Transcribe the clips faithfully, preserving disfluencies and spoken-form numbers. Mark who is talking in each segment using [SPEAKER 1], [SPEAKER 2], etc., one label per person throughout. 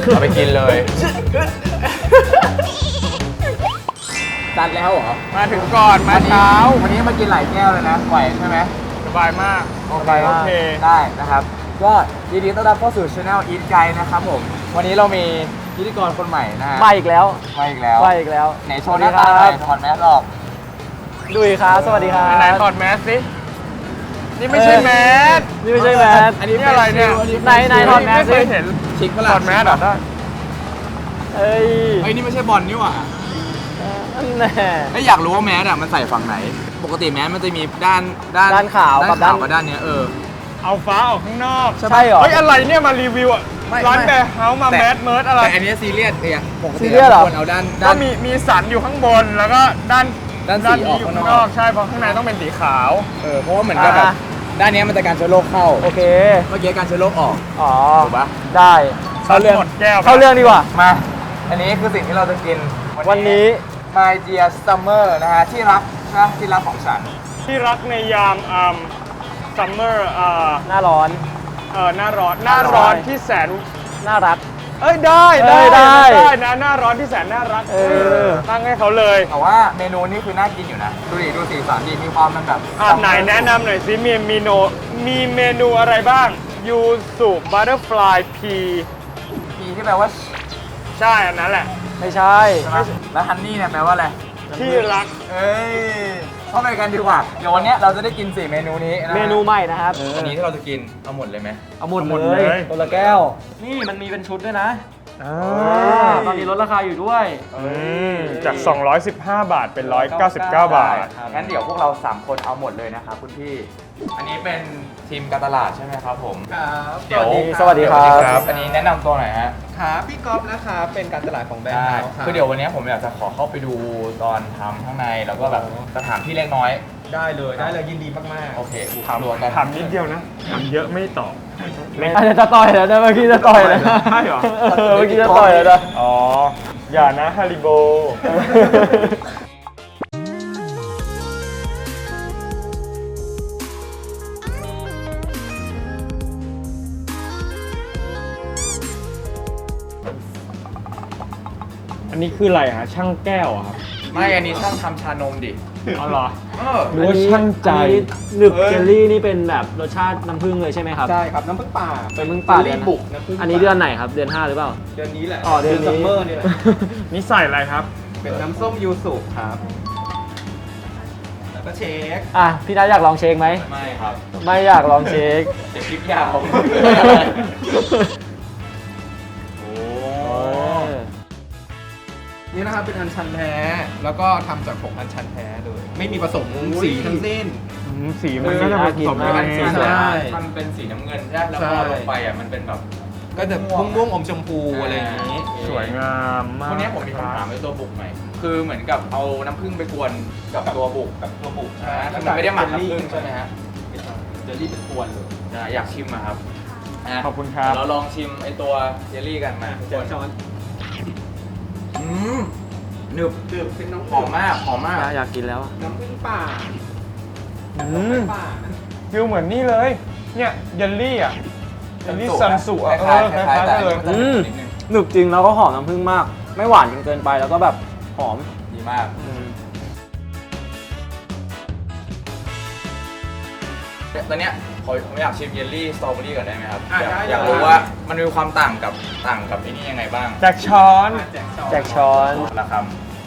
[SPEAKER 1] เอาไปกินเลยจัดแล้วเหรอมาถึงก่อนมาเช้าวันนี้มากินหลายแก้วเลยนะไหวใช่ไหมสบายมากสบายโอเคได้นะครับก็ยินดีต้อนรับเข้าสู่ Channel Eat Guide นะครับผมวันนี้เรามีพิธีกรคนใหม่นะฮะ
[SPEAKER 2] มาอีกแล้ว
[SPEAKER 1] มาอีกแล้ว
[SPEAKER 2] มาอีกแล้ว
[SPEAKER 1] ไหนโชว์หน้าตาหน่อยถอดแมสออก
[SPEAKER 2] ดุยครับสวัสดีครับ
[SPEAKER 3] ไหนถอดแมสสินี่ไม่ใช่แมส
[SPEAKER 2] นี่ไม่ใช่แมส
[SPEAKER 1] อันนี้
[SPEAKER 3] นี่อะไรเนี่ย
[SPEAKER 2] ไหนไหนถอดแมส
[SPEAKER 3] ไม่เค
[SPEAKER 2] สิ
[SPEAKER 3] ยเห็น
[SPEAKER 1] ชิคปะ
[SPEAKER 3] ถ
[SPEAKER 1] ล่ะ
[SPEAKER 3] อดแมสเหรอได้
[SPEAKER 2] เอ้ย
[SPEAKER 1] เฮ้ยนี่ไม่ใช่บอลนี่หว่า
[SPEAKER 2] แน่
[SPEAKER 1] ไม่อยากรู้ว่าแมสอ่ะมันใส่ฝั่งไหน ปกติแมสมันจะมีด้านด้าน
[SPEAKER 2] ด้านขาว
[SPEAKER 1] ด้า
[SPEAKER 2] กับ
[SPEAKER 1] น
[SPEAKER 2] ด้า
[SPEAKER 1] ขาวน กับด้านเนี้ยเออ
[SPEAKER 3] เอาฟ้าออกข้างนอก
[SPEAKER 2] ใช่เหรอ
[SPEAKER 3] เฮ้ยอะไรเนี่ยมารีวิวอ่ะ
[SPEAKER 1] ไม่
[SPEAKER 3] ร้าน
[SPEAKER 1] ไม่
[SPEAKER 3] แบร์เฮาส์มา
[SPEAKER 1] แต่
[SPEAKER 3] แมสเมิร์ดอะไร
[SPEAKER 1] แต่อันนี้ซีเรียสเองปก
[SPEAKER 2] ซี
[SPEAKER 1] ติ
[SPEAKER 2] เรียสเหรอ
[SPEAKER 1] ควรเอาด้าน
[SPEAKER 3] ก็
[SPEAKER 1] ด้าน
[SPEAKER 3] มีมีสันอยู่ข้างบนแล้วก็ด้าน
[SPEAKER 1] ด้านสีออก
[SPEAKER 3] อยู่
[SPEAKER 1] ข้าง
[SPEAKER 3] ข้าง
[SPEAKER 1] น
[SPEAKER 3] น
[SPEAKER 1] อ
[SPEAKER 3] อก กใช่เพราะข้างในต้องเป็นสีขาว
[SPEAKER 1] เออเพราะว่าเหมือนกับแบบด้านเนี้ยมันจะการเชื้อโรคเข้า
[SPEAKER 2] โอเค
[SPEAKER 1] เมื่อกี้การเชื้อโรคออก
[SPEAKER 2] อ๋อ
[SPEAKER 1] ถูกปะ
[SPEAKER 2] ได้
[SPEAKER 3] เข้าเรื่องหมดแก้ว
[SPEAKER 2] เข้าเรื่องดีกว่า
[SPEAKER 1] มา อันนี้คือสิ่งที่เราจะกิน
[SPEAKER 2] วันนี้
[SPEAKER 1] My Dear Summer นะฮะที่รักนะที่รักของฉัน
[SPEAKER 3] ที่รักในยามอ่าซัมเมอร์อ่า
[SPEAKER 2] หน้าร้อน
[SPEAKER 3] เออหน้าร้อนหน้าร้อนที่แสน
[SPEAKER 2] น่ารัก
[SPEAKER 3] เอ้ยได้
[SPEAKER 2] เอ้
[SPEAKER 3] ได้
[SPEAKER 2] ยได้
[SPEAKER 3] ได้นะหน้าร้อนที่แสนน่ารัก
[SPEAKER 2] เออ
[SPEAKER 3] ตั้งให้เขาเลย
[SPEAKER 1] แต่ว่าเมนูนี้คือน่ากินอยู่นะ ดูดิดูสีสันดีมีความมันแบบ
[SPEAKER 3] อ่ะไหนแนะนำหน่อยสิมีเมนูมีเมนูอะไรบ้างยูสุบัตเตอร์ฟลายพี
[SPEAKER 1] พีที่แปลว่า
[SPEAKER 3] ใช่อันนั้นแหละ
[SPEAKER 2] ไม่ใช่
[SPEAKER 1] ใช่ไหมแล้วฮันนี่เนี่ยแปลว่าอะไร
[SPEAKER 3] ที่รัก
[SPEAKER 1] เอ้ยเข้าไปกันดีกว่า เดี๋ยววันเนี้ยเราจะได้กินสี่เมนูนี้นะ
[SPEAKER 2] เมนูใหม่นะครับ
[SPEAKER 1] อันนี้ที่เราจะกินเอาหมดเลยไหม
[SPEAKER 2] เอาหมด
[SPEAKER 3] เอาหมด
[SPEAKER 2] เล
[SPEAKER 3] เลย ย
[SPEAKER 2] ตัวละแก้ว นี่มันมีเป็นชุดด้วยนะตอนนี้ลดราคาอยู่ด้วย
[SPEAKER 3] อืมจาก สองร้อยสิบห้า บาทเป็น หนึ่งร้อยเก้าสิบเก้า บาท
[SPEAKER 1] งั้นเดี๋ยวพวกเราสามคนเอาหมดเลยนะครับคุณพี่ อันนี้เป็นทีมการตลาดใช่ไหมครับผม
[SPEAKER 4] ครับ
[SPEAKER 1] เดี๋ยว
[SPEAKER 2] สวัสดีครับ
[SPEAKER 1] เยวอันนี้แนะนำตัวหน่อยฮะ
[SPEAKER 4] ครับพี่ก๊อฟนะครับเป็นการตลาดของแบรนด์
[SPEAKER 1] ได้
[SPEAKER 4] เฮาส์ครับ
[SPEAKER 1] คือเดี๋ยววันนี้ผมอยากจะขอเข้าไปดูตอนทำข้างในแล้วก็แบบจะถามพี่เล็กน้อย
[SPEAKER 4] ได้เลยได้เลยยินดีมาก
[SPEAKER 1] โอเค
[SPEAKER 3] ถาม
[SPEAKER 1] รวกัน
[SPEAKER 3] ถามนิดเดียวนะถามเยอะไม่ตอบ
[SPEAKER 2] อาจจะต่อยแล้วนะเมื่อกี้จะต่อยแล้วนะ
[SPEAKER 3] ใช่เหรอ
[SPEAKER 2] เออเมื่อกี้จะต่อยแล้วนะ
[SPEAKER 3] อ๋อ อย่านะฮาริโบ อันนี้คืออะไรฮะ ช่างแก้วอะครับ
[SPEAKER 1] ไม่อันนี้ช่างทำชานมดิ
[SPEAKER 3] อ๋อเหรอ
[SPEAKER 1] เออ
[SPEAKER 3] หรือว่าช่างใจ
[SPEAKER 2] อันนี้หนึบเจลลี่นี่เป็นแบบรสชาติน้ำผึ้งเลยใช่ไหมครับ
[SPEAKER 4] ๆใช่ครับน้ำผึ้งป่า
[SPEAKER 2] เป็นน้ำผึ้งป่า
[SPEAKER 4] เจล
[SPEAKER 2] เดือน
[SPEAKER 4] ลี่บุกน้ำผึ้ง
[SPEAKER 2] อันนี้เดือนไหนครับ เดือนห้าหรือเปล่า
[SPEAKER 4] เดือนนี้แหละ
[SPEAKER 2] อ๋อเดือนนี้
[SPEAKER 4] ซัมเมอร์นี่แหละ
[SPEAKER 3] นี่ใส่อะไรครับ
[SPEAKER 4] เป็นน้ำส้มยูสุครับแล้วก็เชค
[SPEAKER 2] อ่ะพี่นัทอยากลองเชคไหม
[SPEAKER 1] ไม่ครับ
[SPEAKER 2] ไม่อยากลองเชค
[SPEAKER 1] เดี๋ยวคลิปยาวโอ้
[SPEAKER 4] นี่นะครับเป็นอัญชันแท้แล้วก็ทำจากผงอัญชันแท้เลยไม่มีผสมสีทั้งสิ้น
[SPEAKER 3] อืมสีมันก็จะผสม
[SPEAKER 2] เออ
[SPEAKER 3] กัน
[SPEAKER 1] สี
[SPEAKER 3] เอง
[SPEAKER 1] สวย
[SPEAKER 4] ใช่
[SPEAKER 1] มันเป็นสีน้ำเงินใช่ไหมแล้ว
[SPEAKER 4] ใช่
[SPEAKER 1] พอลงไปอ่ะมันเป็นแบบ
[SPEAKER 4] ก็จะม่วงม่วงๆอมชมพูอะไรอย่างนี้
[SPEAKER 3] สวยงามมาก
[SPEAKER 1] วันนี้ผมมีคำถามในตัวบุกหน่อยคือเหมือนกับเอาน้ำผึ้งไปกวนกับตัวบุก
[SPEAKER 4] กับตัวบุก
[SPEAKER 1] ใช่ไหมคือมันไม่ได้หมักน้ำผึ้งใช่ไหมฮะ
[SPEAKER 4] เจลลี่เป็นกวนเลย
[SPEAKER 1] อ่ะอยากชิมอะครับะ
[SPEAKER 3] ขอบคุณครับ
[SPEAKER 1] เดี๋ยวเราลองชิมไอตัวเจลลี่กันมาทุก
[SPEAKER 4] เดี๋ยว
[SPEAKER 1] คน
[SPEAKER 4] ช้อน
[SPEAKER 1] อืมหนึบ
[SPEAKER 4] ดื่มเป็นน้ำ
[SPEAKER 1] หอมมากหอมมาก
[SPEAKER 2] อยากกินแล้วอะ
[SPEAKER 4] น้ำผึ้งป่า
[SPEAKER 3] อืม
[SPEAKER 4] ป่านะ
[SPEAKER 3] ฟิลเหมือนนี่เลย เนี่ยเยลลี่อ่ะเยลลี่ซันสุ
[SPEAKER 1] ค
[SPEAKER 3] อ่ะเอ
[SPEAKER 1] ล้าย
[SPEAKER 3] อ
[SPEAKER 1] ๆ
[SPEAKER 3] ค
[SPEAKER 1] คล้าย
[SPEAKER 3] ล้าย
[SPEAKER 1] ๆแต่
[SPEAKER 3] ๆเลย
[SPEAKER 1] มันจะหนึบนิดนึง
[SPEAKER 2] หนึบจริงแล้วก็หอมน้ำผึ้งมาก ไม่หวานจนเกินไปแล้วก็แบบหอม
[SPEAKER 1] ดีมาก
[SPEAKER 2] อืม
[SPEAKER 1] ตอนเนี้ยผมผมอยากชิมเยลลี่สตรอเบอรี่ก่อนได้ไหมครับ
[SPEAKER 4] อ่ะ
[SPEAKER 1] อยาก
[SPEAKER 4] ได้
[SPEAKER 1] อยากรู้ว่ามันมีความต่างกับต่างกับไอ้นี่ยังไงบ้าง
[SPEAKER 3] จากช้อน
[SPEAKER 4] แจกช้อน
[SPEAKER 2] แจกช้อน
[SPEAKER 1] ละค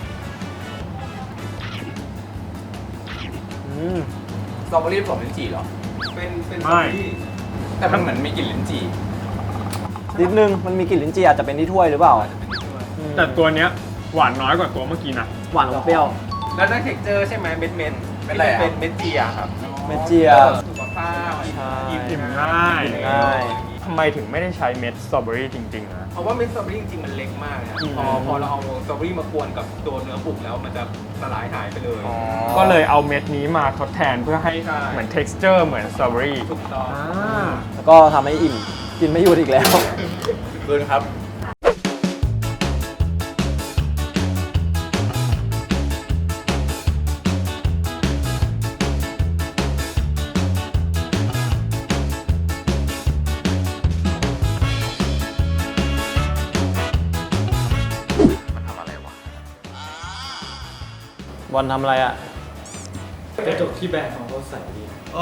[SPEAKER 2] อืม
[SPEAKER 1] ำสตรอเบอรี่ผสมลิ้นจี่เหรอ
[SPEAKER 4] เป็นเป็น
[SPEAKER 3] ไม่
[SPEAKER 4] ที่
[SPEAKER 1] แต่มันเหมือนมีกลิ่นลิ้นจี่
[SPEAKER 2] นิดนึงมันมีกลิ่นลิ้นจี่อาจจะเป็นที่ถ้วยหรือเปล่าอืม
[SPEAKER 3] แต่ตัวเนี้ยหวานน้อยกว่าตัวเมื่อกี้นะ
[SPEAKER 2] หวานกับเปรี้ยว
[SPEAKER 4] แล้วได้เท็กเจอร์ใช่ไหมเม็ดเม็ด
[SPEAKER 1] เป็นอะไรอะ
[SPEAKER 4] เป็นเม็ดเจียครับ
[SPEAKER 2] เม็ดเจีย
[SPEAKER 4] สุขภาพ
[SPEAKER 2] ใช่
[SPEAKER 3] อิ่มง่าย
[SPEAKER 2] ง่าย
[SPEAKER 3] ทำไมถึงไม่ได้ใช้เม็ดสตรอเบอรี่จริงๆนะ
[SPEAKER 4] เพราะว่าเม็ดสตรอเบอรี่จริงๆมันเล็กมากนะ
[SPEAKER 2] อืม
[SPEAKER 4] พอพอเราเอาสตรอเบอรี่มากวนกับตัวเนื้อบุกแล้วมันจะสลายหายไปเลย
[SPEAKER 3] ก็เลยเอาเม็ดนี้มาทดแทนเพื่อให้
[SPEAKER 4] ใช่
[SPEAKER 3] เหมือน texture เหมือนสตรอเบอรี่
[SPEAKER 4] ถูกต้อง
[SPEAKER 2] แล้วก็ทำให้อิ่ม กินไม่หยุดอีกแล้ว
[SPEAKER 1] คืนครับ
[SPEAKER 2] บอลทำอะไรอ่ะ
[SPEAKER 3] กระจกที่แบรนด์ของเขาใส่ดี
[SPEAKER 4] โอ้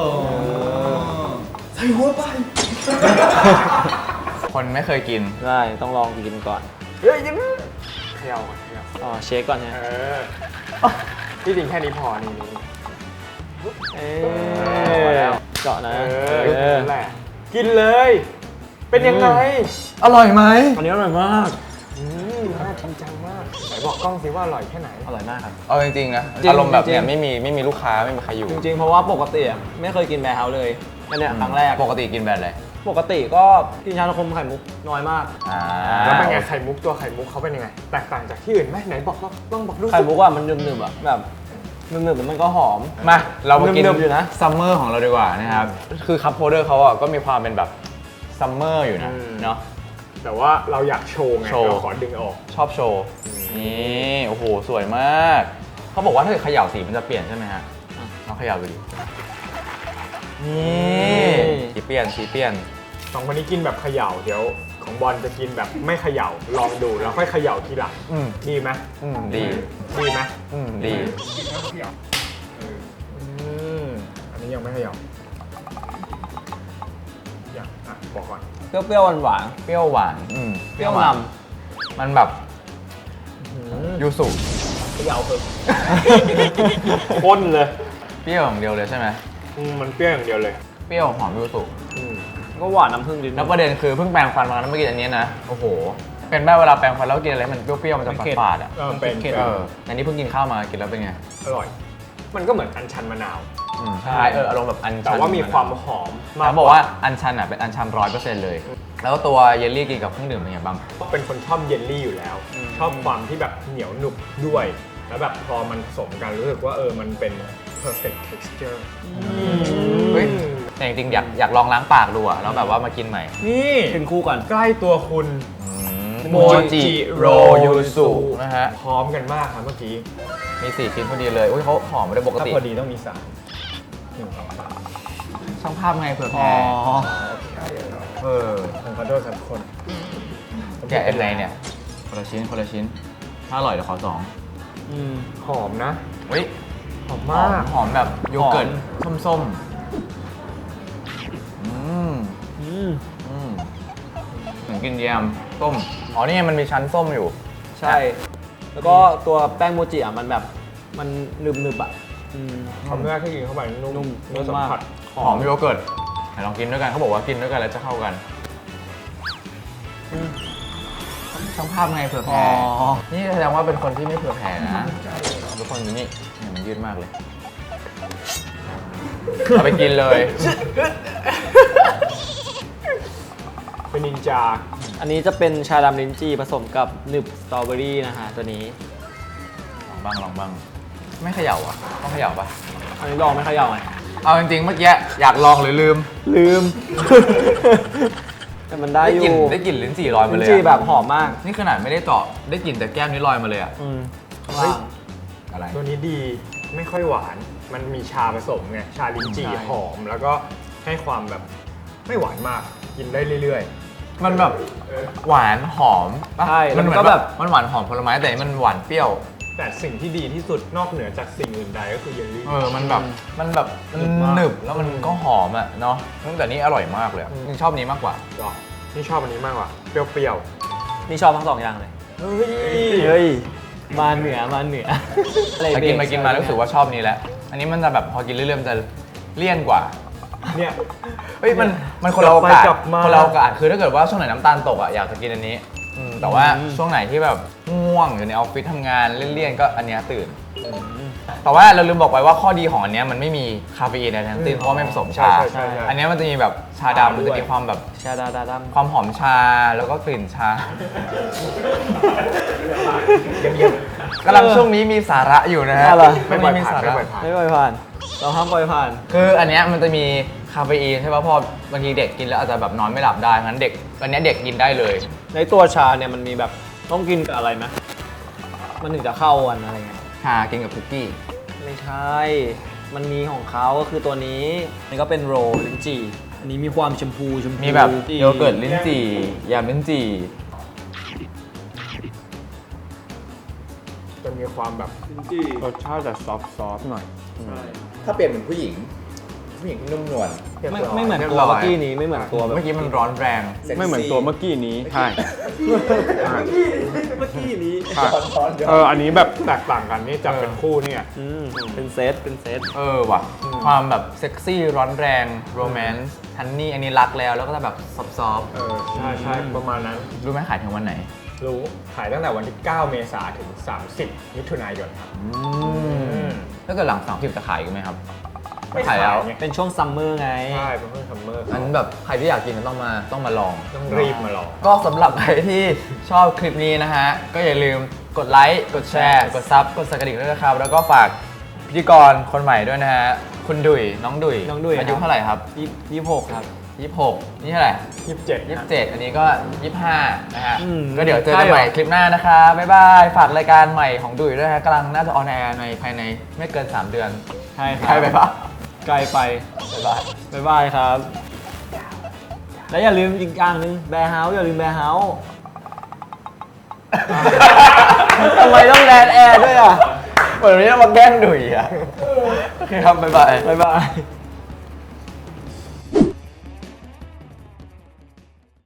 [SPEAKER 1] คนไม่เคยกิน
[SPEAKER 2] ได้ต้องลองกินก่อน
[SPEAKER 3] เฮ้ยยิ้มเขย่าก่อนเขย่า
[SPEAKER 2] อ๋อเช็คก่อนนะ
[SPEAKER 3] เออที่จริงแค่นี้พอนี่นี่
[SPEAKER 2] เอ๊
[SPEAKER 3] พอแล้ว
[SPEAKER 2] เจาะนะ
[SPEAKER 3] เอ
[SPEAKER 2] เอ
[SPEAKER 3] อ
[SPEAKER 2] อ
[SPEAKER 3] นั่นแหละกินเลย เป็นยังไง
[SPEAKER 1] อร่อยไหม
[SPEAKER 2] อันนี้อร่อยมาก
[SPEAKER 3] อืมน่าจริงจังมากไหนบอกกล้องสิว่าอร่อยแค่ไหน
[SPEAKER 2] อร่อยมากครับ
[SPEAKER 1] เอาจริงๆนะ
[SPEAKER 2] จริง
[SPEAKER 1] อารมณ์แบบเนี้ย
[SPEAKER 2] จริง
[SPEAKER 1] ไม่มีไม่มีลูกค้าไม่มีใครอยู่
[SPEAKER 2] จริงๆ เพราะว่าปกติอะไม่เคยกินแบร์เฮาส์เลยอันเนี้ยครั้งแรก
[SPEAKER 1] ปกติกินแบบอะไร
[SPEAKER 2] ปกติก็กินชานมไข่มุกน้อยมาก
[SPEAKER 1] อ่า
[SPEAKER 3] แล้วเป็นไงไข่มุกตัวไข่มุกเขาเป็นยังไง แตกต่างจากที่อื่นไหมไหนบอกลองลองบอกดูสิ
[SPEAKER 2] ไข่มุกอะมันหนึบๆอะแบบหนึบๆแล้วมันก็หอม
[SPEAKER 1] มาเรามากิน
[SPEAKER 2] เนิบๆอยู่นะ
[SPEAKER 1] ซัมเมอร์ของเราดีกว่านะครับ คือคัพโฮลเดอร์เขาอ่ะก็มีความเป็นแบบซัมเมอร์อยู่นะเนาะ
[SPEAKER 3] แต่ว่าเราอยากโชว์ไง
[SPEAKER 1] โชว์
[SPEAKER 3] เราขอดึงออก
[SPEAKER 1] ชอบโชว์ นี่โอ้โหสวยมาก เขาบอกว่าถ้าเกิดเขย่าสีมันจะเปลี่ยนใช่ไหมฮะลองเขย่าดูดินี่สีเปลี่ยนสีเปลี่ยน
[SPEAKER 3] สองคนนี้กินแบบเขย่าเดี๋ยวของบอลจะกินแบบไม่เขย่าลองดูแล้วค่อยเขย่าทีหลัง
[SPEAKER 1] อืม
[SPEAKER 3] ดีไหม
[SPEAKER 1] อืมดี
[SPEAKER 3] ดีไหม
[SPEAKER 1] อืมดี
[SPEAKER 3] อืมอันนี้ยังไม่เขย่าอยากอ่ะบอกก่อน
[SPEAKER 2] เปรี้ยวๆหวาน
[SPEAKER 1] เปรี้ยวหวานอืม
[SPEAKER 2] ๆเปรี้ยวน
[SPEAKER 1] มันแบบยูสุ
[SPEAKER 2] ำเขย่าเพิ่ม
[SPEAKER 3] ข้นเลย
[SPEAKER 1] เปรี้ยวอย่างเดียวเลยใช่ไหม
[SPEAKER 3] อืมมันเปรี้ยวอย่างเดียวเลย
[SPEAKER 1] เปรี้ยวหอมยูสุ
[SPEAKER 3] อืม
[SPEAKER 2] ก็หวานน้ำผึ้งนิดนึ
[SPEAKER 1] แล้ว
[SPEAKER 2] ง
[SPEAKER 1] ประเด็นคือเพิ่งแปรงฟันมาแล้วเมื่อกี้อันนี้นะโอ้โหเป็นแบบเวลาแปรงฟันแล้วกินอะไรมันเปรี้ยวๆมันจะ
[SPEAKER 2] มันเค็ม
[SPEAKER 1] ฝาดๆอ่ะ
[SPEAKER 3] เออเป็น
[SPEAKER 2] เค็ม
[SPEAKER 1] เออแต่นี่เพิ่งกินข้าวมากินแล้วเป็นไง
[SPEAKER 3] อร่อย มันก็เหมือนอัญชันมะนาว
[SPEAKER 1] อืมใช่เอออารมณ์แบบอันชัน
[SPEAKER 3] แต่ว่ามีความหอมมาก
[SPEAKER 1] แล้วบอกว่าอันชันอ่ะเป็นอันชันร้อยเปอร์เซ็นต์เลย แล้วก็ตัวเยลลี่กินกับเครื่องดื่มเป็นไงบ้าง
[SPEAKER 3] เป็นคนชอบเยลลี่อยู่แล้ว ชอบความที่แบบเหนียวหนุบด้วย แล้วแบบพอมันผสมกันรู้สึกว่าเออมันเป็น perfect texture
[SPEAKER 1] เฮ้ยแต่จริงๆอยากอยากลองล้างปากดูอ่ะแล้วแบบว่ามากินใหม่
[SPEAKER 3] นี่
[SPEAKER 2] กินคู่กัน
[SPEAKER 3] ใกล้ตัวคุณ
[SPEAKER 1] โมจิโรยูสุนะฮะ
[SPEAKER 3] พร้อมกันมากครับเมื่อกี้
[SPEAKER 1] มีสี่ชิ้นพอดีเลยอุ้ยเขาหอมไม่ได้ปก
[SPEAKER 3] ถ้า
[SPEAKER 1] ติ
[SPEAKER 3] พอดีต้องมีสามหนึ่งสองสาม
[SPEAKER 1] ช่างภาพไงเผื่อ
[SPEAKER 2] อ๋
[SPEAKER 1] แพ้
[SPEAKER 2] อ
[SPEAKER 1] เออ
[SPEAKER 3] ผมขอโทษครับทุกคน
[SPEAKER 1] แกะยังไงเนี่ยคนละชิ้นคนละชิ้นถ้าอร่อยเดี๋ยวขอสอง
[SPEAKER 2] อืม
[SPEAKER 3] หอมนะ
[SPEAKER 1] เฮ้ย
[SPEAKER 3] หอม
[SPEAKER 1] หอ
[SPEAKER 3] มาม ก
[SPEAKER 1] หอมแบบโยเกิร์ต
[SPEAKER 2] หอม
[SPEAKER 1] ส้มๆอืม
[SPEAKER 2] อืม
[SPEAKER 1] อืมเหมือนกินแยมส้มอ๋อนี่ไงมันมีชั้นส้มอยู่
[SPEAKER 2] ใช่ แล้วก็ตัวแป้งโมจิอ่ะมันแบบมันหนึบๆอ่ะอืม
[SPEAKER 3] คำแรกที่กินเข้าไปนุ่ม
[SPEAKER 2] นุ่ม
[SPEAKER 3] เนื้อสัมผัส
[SPEAKER 1] หอมโยเกิร์ตไหนลองกินด้วยกันเขาบอกว่ากินด้วยกันแล้วจะเข้ากันช่างภาพไงเผื่อ
[SPEAKER 2] อ๋
[SPEAKER 1] แพ้
[SPEAKER 2] อ
[SPEAKER 1] นี่แสดงว่าเป็นคนที่ไม่เผื่อแพ้นะทุกคนดูนี่เนี่ยมันยืดมากเลยเอาไปกินเลย
[SPEAKER 3] เป็นนินจา
[SPEAKER 2] อันนี้จะเป็นชาดำลิ้นจี่ผสมกับหนึบสตรอเบอรี่นะฮะตัวนี้
[SPEAKER 1] ลองบ้างลองบ้างไม่เขย่าอ่ะต้องเขย่าปะ
[SPEAKER 2] อันนี้ลองไหม่เขย่าไหม
[SPEAKER 1] เอาจริงๆเมื่อกี้อยากลองหรือลืม
[SPEAKER 2] ลืม แต่มันได้อก
[SPEAKER 1] ลิ่น
[SPEAKER 2] ยู่
[SPEAKER 1] ได้กลิ่นลิ้นจี่ลอยมา
[SPEAKER 2] ลิ้
[SPEAKER 1] เล
[SPEAKER 2] น
[SPEAKER 1] ย
[SPEAKER 2] จี่
[SPEAKER 1] อะ
[SPEAKER 2] แบบหอมมาก
[SPEAKER 1] นี่ขนาดไม่ได้เจาะได้กลิ่นแต่แก้มนี้ลอยมาเลยอ่ะ
[SPEAKER 2] อืม
[SPEAKER 3] เฮ้ย
[SPEAKER 1] อะไร
[SPEAKER 3] ตัวนี้ดีไม่ค่อยหวาน มันมีชาผสมไง ชาลิ้นจี่
[SPEAKER 1] ใช่
[SPEAKER 3] หอม แล้วก็ให้ความแบบไม่หวานมาก กินได้เรื่อย
[SPEAKER 1] มันแบบหวานหอมปะ
[SPEAKER 2] ใช่
[SPEAKER 1] มันเหมือน
[SPEAKER 2] แล้วก็
[SPEAKER 1] แบ
[SPEAKER 2] แบบ บ
[SPEAKER 1] มันหวานหอมผลไม้แต่มันหวานเปรี้ยว
[SPEAKER 3] ๆ แต่สิ่งที่ดีที่สุดนอกเหนือจากสิ่งอื่นใดก็คือเยลลี่
[SPEAKER 1] เออ มันแบบ มันแบบ มัน
[SPEAKER 3] หนึบมาก
[SPEAKER 1] หนึบแล้วมันก็หอมอ่ะเนาะแต่นี่อร่อยมากเลยอะ
[SPEAKER 3] อืม
[SPEAKER 1] นี่ชอบนี้มากกว่า
[SPEAKER 3] หรอนี่ชอบอันนี้มากกว่า เปรี้ยว
[SPEAKER 2] นี่ชอบทั้งสองอย่างเลย
[SPEAKER 3] ๆ เฮ้ย
[SPEAKER 2] เฮ้ย มาเหนือมาเหนืออะไร
[SPEAKER 1] แต่กิน
[SPEAKER 2] เบ
[SPEAKER 1] มากินมารู้สึกว่าชอบนี้แหละ อันนี้มันจะแบบพอกินเรื่อยๆมันจะเลี่ยนกว่า
[SPEAKER 3] เนี่ย
[SPEAKER 1] เฮ้ยมันมันคนละโอกาส
[SPEAKER 3] กลับมา
[SPEAKER 1] คนละโอกาสคือถ้าเกิดว่าช่วงไหนน้ำตาลตกอ่ะอยากจะกินอันนี้อืมแต่ว่าช่วงไหนที่แบบง่วงอยู่ในออฟฟิศทำงานเลี่ยนๆก็อันเนี้ยตื่น แต่ว่าเราลืมบอกไปว่าข้อดีของอันเนี้ยมันไม่มีคาเฟอีนในทั้งสิ้นเพราะว่าไม่ผสมชา
[SPEAKER 3] ใช่ใช่ใช่
[SPEAKER 1] อันเนี้ยมันจะมีแบบชาดำมันจะมีความแบบ
[SPEAKER 2] ชาดาดาด
[SPEAKER 1] ความหอมชาแล้วก็กลิ่นชา
[SPEAKER 3] เยี่ยม
[SPEAKER 1] กำลังช่วงนี้มีสาระอยู่นะฮะ
[SPEAKER 2] อะไร
[SPEAKER 1] ช่วงนี้มีสาระ
[SPEAKER 3] ไม่ปล่อยผ่าน
[SPEAKER 2] ำไม่ปล่อยผ่าน เราห้ามปล่อยผ่าน
[SPEAKER 1] คืออันเนี้ยมันจะมีคาเฟอีนใช่ป่ะพอบางทีเด็กกินแล้วอาจจะแบบนอนไม่หลับได้งั้นเด็กอันเนี้ยเด็กกินได้เลย
[SPEAKER 2] ในตัวชาเนี่ยมันมีแบบต้องกินกับอะไรไหมมันถึงจะเข้ากันอะไรเงี้ย
[SPEAKER 1] ชากินกับคุกกี้
[SPEAKER 2] ไม่ใช่ มันมีของเขาก็คือตัวนี้นี่ก็เป็นโรลลิ้นจี่อันนี้มีความชมพูชมพู
[SPEAKER 1] มีแบบโยเกิร์ตลิ้นจี่ยำลิ้นจี่
[SPEAKER 3] เต็มมีความแบบรสชาติจะซอฟต์ซอฟหน่อย
[SPEAKER 1] ถ้าเปลี่ยนเป็นผู้หญิง ผู้หญิงที่นุ่มนวล
[SPEAKER 2] ไม่ไม่เหมือนตัวเมื่อกี้นี้ไม่เหมือนตัวแบบ
[SPEAKER 1] เมื่อกี้มันร้อนแรง
[SPEAKER 3] ไม่เหมือนตัวเมื่อกี้นี้ใช่
[SPEAKER 2] เมื่อกี้นี้
[SPEAKER 3] ใช่เอออันนี้แบบแตกต่างกันนี่จับเป็นคู่เนี่ย
[SPEAKER 2] อืมเป็นเซตเป็นเซต
[SPEAKER 1] เออว่ะ ความแบบเซ็กซี่ร้อนแรงโรแมนต์ฮันนี่อันนี้รักแล้วแล้วก็จะแบบซอฟต์
[SPEAKER 3] เออใช่ใช่ประมาณนั้น
[SPEAKER 1] ๆรู้ไหมขายถึงวันไหน
[SPEAKER 3] รู้ขายตั้งแต่วันที่ เก้า เมษายนถึง สามสิบ มิถุนายนครับ
[SPEAKER 1] ถ้าเกิดหลังสามสิบจะขายกันไหมครับ
[SPEAKER 3] ไม่
[SPEAKER 1] ขายแล้ว
[SPEAKER 3] ไง
[SPEAKER 2] เป็นช่วงซัมเมอร์ไง
[SPEAKER 3] ใช่เป็นเพื่อนซัมเมอร์
[SPEAKER 1] อันแบบใครที่อยากกินก็ต้องมาต้องมาลอง
[SPEAKER 3] ต้องรีบมาลอง
[SPEAKER 1] ก็สำหรับใครที่ชอบคลิปนี้นะฮะ ก็อย่าลืมกดไลค์ กดแชร์ กดซับ กดสักกระดิ่งด้วยนะครับ แล้วก็ฝากพิธีกรคนใหม่ด้วยนะฮะ คุณดุยน้องดุย
[SPEAKER 2] น้องดุย
[SPEAKER 1] อายุ
[SPEAKER 2] ครับ
[SPEAKER 1] เท่าไหร่ครับ
[SPEAKER 2] ยี่ยี่สิบหกครับ
[SPEAKER 1] ยี่สิบหกนี่เท่าไหร่
[SPEAKER 3] ยี่สิบเจ็ด
[SPEAKER 1] ยี่สิบเจ็ดอันนี้ก็ยี่สิบห้านะฮะ
[SPEAKER 2] อืม
[SPEAKER 1] ก็เดี๋ยวเจอกัน
[SPEAKER 2] ใช่เหรอ
[SPEAKER 1] ใหม่คลิปหน้านะคะบ๊ายบาย ฝากรายการใหม่ของดุยด้วยฮะกำลังน่าจะออนแอร์ในภายในไม่เกิน สาม เดือน
[SPEAKER 2] ใช่ครับ
[SPEAKER 1] ใกล้ไปปะ
[SPEAKER 2] ไกลไป
[SPEAKER 1] บ๊ายบาย
[SPEAKER 2] บ๊ายบายครับ และอย่าลืมอีกอย่างหนึงแบร์เฮาส์อย่าลืมแบร์เฮาส์
[SPEAKER 1] ทำไมต้องแดนแอร์ด้วยอ่ะเหมือนวันนี้เรามาแกล้งดุยอ่ะโอเคครับบ๊ายบาย
[SPEAKER 2] บ๊ายบาย